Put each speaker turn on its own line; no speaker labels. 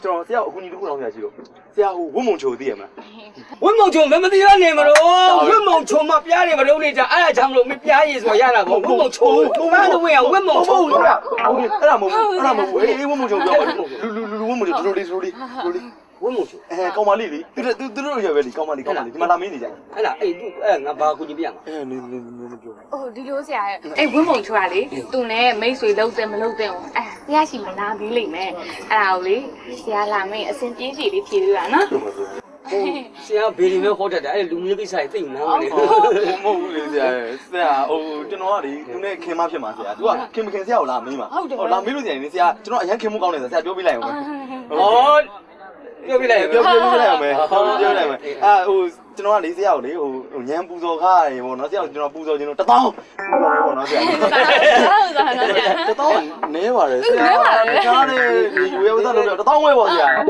ကျွန်တော်ဆရာအခုညီတခုတောင်းဆရာရှိလို့ဆရာဟိုဝတ်မုံချိုသိရမလား
ဝင်းမုံချုံမသိရနေမလို့ဝင်းမုံချုံမပြားနေမလို့နေကြအဲ့ဒါကြောင့်မလို့မပြားရည်ဆိုရတာပေါ့ဝင်းမုံချုံမန်းတို့ဝင်အောင်ဝင်းမုံချုံ
ဟုတ်လားအဲ့ဒါမဟုတ်ဘူးအဲ့ဒါမဟုတ်ဘူးအေးဝတ်မုံချိုပြောပါလူဝတ်မုံချိုတို့လေးဝတ်မုံချိုကောင်မလေးလေသူတို့ရပဲလေကောင်မလေးဒီမှာလာမင်းနေကြ
အဲ့ဒါအဲ့အဲ့ငါဘာကူညီပြရမှာ
နေပြော
ဟိုဒီလိုဆရာအဲ့ဝင်းမုံချိုကလေသူနဲ့မိတ်ဆွေလုံးတယ်မလုံးတယ်အဲ့ဆရာရှိမလာပြီးလိမ့်မယ်အဲ့ဒါကိုလေဆရာလာမင်းအစင်ပြေးစီလေးဖြေလို့ရနော်
ဆရာဘေဒီမဲဟောတတ်တယ်အဲ့လူမျိုးကိစ္စတွေသိနေတယ်
မဟုတ်ဘူးလေဆရာဟိုကျွန်တော်ကလေသူနဲ့ခင်မဖြစ်မှာဆရာသူကခင်မခင်ဆရာကိုလာမေးမှာလာမေးလို့ဆရာနေဆရာကျွန်တော်အရင်ခင်မှုကောင်းနေဆရာပြောပြလိုက်အောင်
ဟောပြောပြလိုက်
ပြောလိုက်အောင်မယ်ပြောလိုက်မယ်ဟိုကျွန်တော်ကလေးဆရာကိုလေဟိုညံပူဇော်ခါရေပေါ့နော်ဆရာကိုကျွန်တော်ပူဇော်ခြင်းလို့1000ပေါ့နော်ဆရာ1000နဲပါတယ်ဆရာကြားတယ်ဒီဝေဝသလုပ်တော့1000ဝဲပေါ့ဆရာ